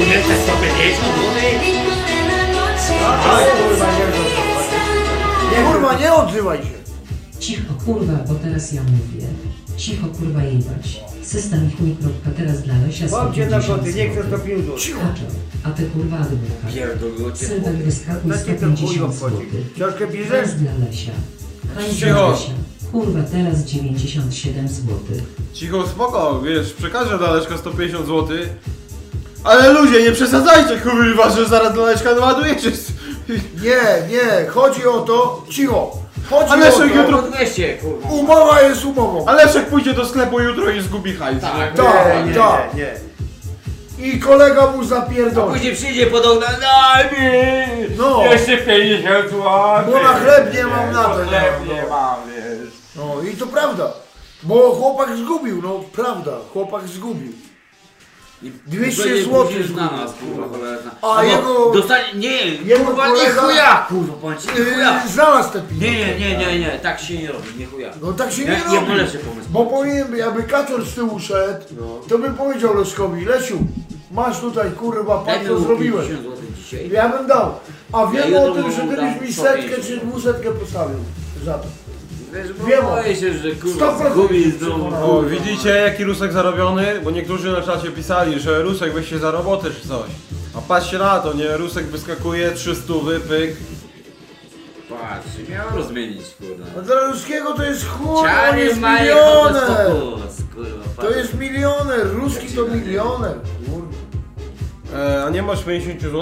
nie chcesz 150 zł? Kurwa, nie odzywaj się. Cicho kurwa, bo teraz ja mówię. Cicho kurwa jebać. System ich mikropka teraz dla Lesia Mam cię na 150 koty, nie chcę zł. 105 zł. Kaczor, a ty kurwa adwokat. Pierdolujcie. Sylwek wyskakuj Na cię to chuj 150 obchodzi. zł. Książkę bierzesz? Teraz dla Lesia. Hajs dla Cicho. Lesia. Kurwa, teraz 97 zł. Cicho, spoko, wiesz, przekażę dla Leszka 150 zł. Ale ludzie, nie przesadzajcie, kurwa, że zaraz dla Leszka naładujecie. Nie, chodzi o to, cicho. Chodzi Ale o Leszek to, jutro... 200, kurwa. umowa jest umową. A Leszek pójdzie do sklepu jutro i zgubi hajs. Tak. Tak, Nie, tak. nie. I kolega mu A zapierdoli. później przyjdzie pod okno, daj mi! No. Jeszcze 50 zł! Bo na chleb nie mam na to, nie Chleb mam, nie no. mam, wiesz. No i to prawda. Bo chłopak zgubił, no prawda, chłopak zgubił. 200 Będzie złotych później zgubił. na nas, kurwa, cholerna. A Albo jego- Dostanie, nie, jego kurwa, nie kolega- chuja, kurwa, powiem ci, nie chuja. Znalazł te pieniądze. Nie, tak się nie robi, nie chuja. No tak się nie Ja robi. mam lepszy pomysł. Bo powiem, jakby Kaczor z tyłu szedł, to bym powiedział Leszkowi, Lesiu, masz tutaj kurwa, Daj patrz mi co zrobiłem. 50 zł dzisiaj. Ja bym dał. A wiem Ja o jutro tym, że mu ty dam byś mi 150. setkę czy 200 postawił za to. Wiesz, bo Wiem. boję się, że kurwa 100% zgubi się znowu. przekonałem. O, widzicie jaki Rusek zarobiony? Bo niektórzy na czacie pisali, że Rusek weź się za robotę czy coś. A patrzcie na to, nie? Rusek wyskakuje, 300 wypyk. Patrz, miał rozmienić, kurwa. A dla Ruskiego to jest chuj, on Ciary jest mają milioner. fokus, kurwa. To jest milioner, Ruski to milioner. A nie masz 50 zł?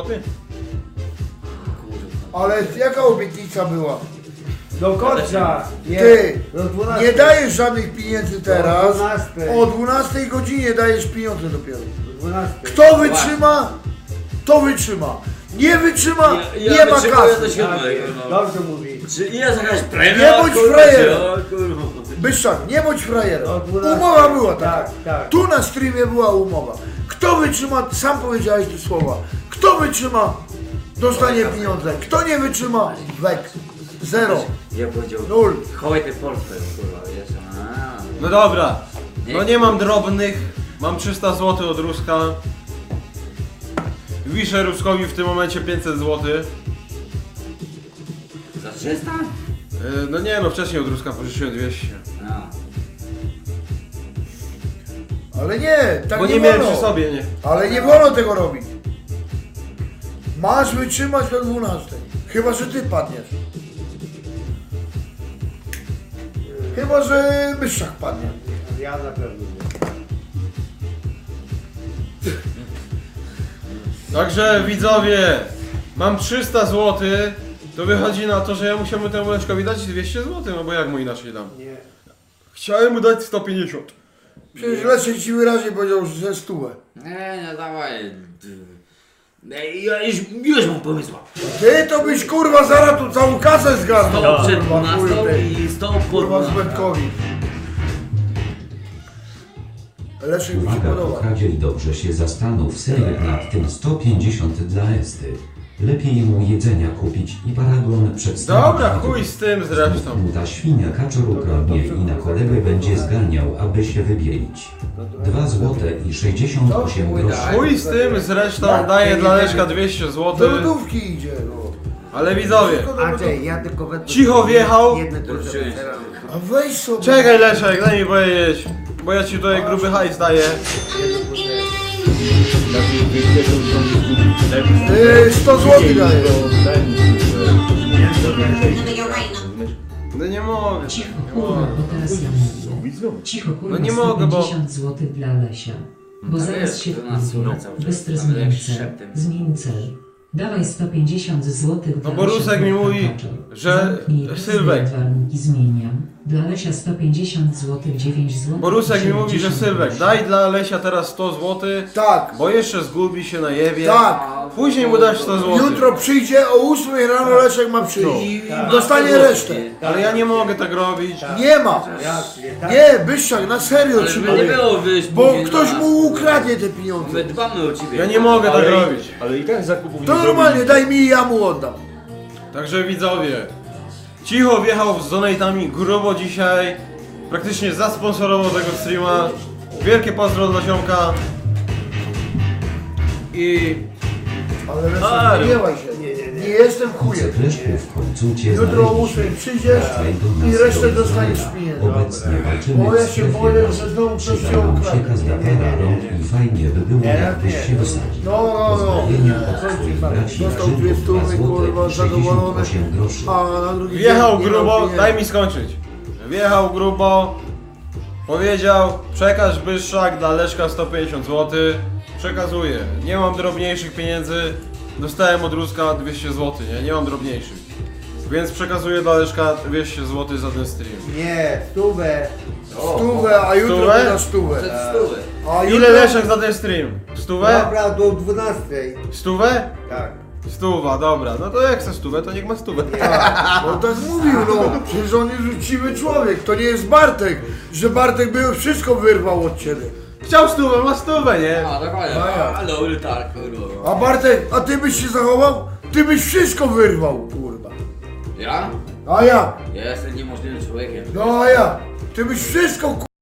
Kurwa. Ale jaka obietnica była? Do końca. Nie, Ty, do 12. nie dajesz żadnych pieniędzy teraz. 12. O 12 godzinie dajesz pieniądze dopiero. Do 12. Kto wytrzyma, to wytrzyma. Nie wytrzyma, nie ma wytrzymuję do kasy. 7, no. Dobrze mówi. Czy jest jakaś premia? Nie bądź kurwa, frajerem. czy- o, kurwa. Byszczak, nie bądź frajerem. Do 12. Umowa była taka. Tak, tak. Tu na streamie była umowa. Kto wytrzyma, sam powiedziałeś te słowa. Kto wytrzyma, dostanie pieniądze. Kto nie wytrzyma, wek. Zero. Ja powiedział, Nul. chowaj ten portfel, kurwa, wiesz, a. No dobra. No nie mam drobnych. Mam 300 zł od Ruska. Wiszę Ruskowi w tym momencie 500 zł. Za 300? No nie no, wcześniej od Ruska pożyczyłem 200. No. Ale nie, tak Bo nie nie miałem wolno. przy sobie, nie. Ale nie wolno tego robić. Masz wytrzymać do 12. Chyba, że ty padniesz. Chyba, że Byszczak padnie. Ja na pewno nie. Także widzowie, mam 300 zł. To wychodzi na to, że ja musiałbym temu Leszkowi dać 200 zł, no bo jak mu inaczej dam? Nie. Chciałem mu dać 150. Przecież Leszek ci wyraźnie powiedział, że 100. Nie, no dawaj. Ja już mam pomysła. Ty to byś kurwa zaraz tu całą kasę zgarnął. 100 przed Kurwa, 12 chuj, ty. i 100 po Kurwa 12. Zbędkowi. Leszek mi się Uwaga, podoba. kochadzie i dobrze się zastanów Sylwek nad tym 150 dla Esty. Lepiej mu jedzenia kupić i paragon przedstawić. Dobra, na chuj z tym zresztą. mu ta świnia kaczor ukradnie i na kolegę będzie zganiał, aby się wybielić. 2 złote i 68 groszy. Chuj z tym zresztą, daję dla Leszka 200 zł. Do lodówki idzie, no. Ale widzowie, Andrzej, ja tylko wezmę... Cicho wjechał. Jedne to Dorzuciłeś. A weź sobie. Czekaj Leszek, daj mi powiedzieć. Bo ja ci tutaj gruby hajs daję. 100 zł daję. No nie mogę. Cicho kurwa, bo teraz ja mówię. Cicho kurwa, No nie mogę, bo- 150 zł dla Lesia. Bo Tak zaraz jest, się 12 wkurwię. minut cały czas. Bystry Nawet zmień jak cel. szeptem. Zmień cel. Dawaj 150 zł No bo Rusek mi mówi, że Sylwek. Warunki zmieniam. Dla Lesia 150 zł, 9 zł. Bo Rusek mi mówi, że Sylwek, daj dla Lesia teraz 100 zł. Tak, Bo jeszcze zgubi się na jewie. tak. Później mu dasz 100 zł. Jutro przyjdzie o 8 rano Leszek ma przyjść. I Dostanie ma resztę. Ale ja nie mogę tak robić. Nie ma. Jasnie, tak. Nie, Byszczak, na serio Ale żeby trzymaj. nie było, wiesz, Bo później ktoś na nas. mu ukradnie te pieniądze. My dbamy o ciebie. Ja nie mogę tak robić. Ale i tak zakupów To nie normalnie, daj mi i ja mu oddam. Także widzowie, Cicho wjechał z donatami grubo dzisiaj. Praktycznie zasponsorował tego streama. Wielkie pozdro dla ziomka. i... Ale Leszek, Ale- nie gniewaj się. Nie jestem chujem. Kleszku w końcu cię Jutro o 8 znaleźliśmy. przyjdziesz Wracaj do i nas resztę do dostaniesz zdrowia. pieniędzy. Obecnie walczymy Bo ja w się strefie boję, gazy. że znowu ktoś Przyda cię nam ukradnie. się kazdapera rąk i fajnie by było jakbyś się wysadził. No. Pozdrowienia od twoich braci Dostał Grzybów, 200, 2 złote kurwa, i zadowolony. 68 groszy. A na drugi Wjechał dzień nie miał grubo, pieniędzy. daj mi skończyć. Wjechał grubo, powiedział, przekaż Byszczak dla Leszka 150 zł. Przekazuję. Nie mam drobniejszych pieniędzy. Dostałem od Ruska 200 zł, nie mam drobniejszych. Więc przekazuję dla Leszka 200 zł za ten stream. Nie, stówę. Stówę, a jutro Stówę? wyda stówę. Stówy. A Ile Leszek za ten stream? Stówę? Dobra, do 12. Stówę? Tak. Stuwa, dobra. No to jak chce stówę, to niech ma stówę. No tak mówił, no. Przecież on jest uczciwy człowiek. To nie jest Bartek, że Bartek by wszystko wyrwał od ciebie. Chciał stówę, ma stówę, nie? A, dokładnie. A ja. Ale tak, kurwa. A Bartek, a ty byś się zachował? Ty byś wszystko wyrwał, kurwa. Ja? A ja? Ja jestem niemożliwym człowiekiem. No a ja? Ty byś wszystko,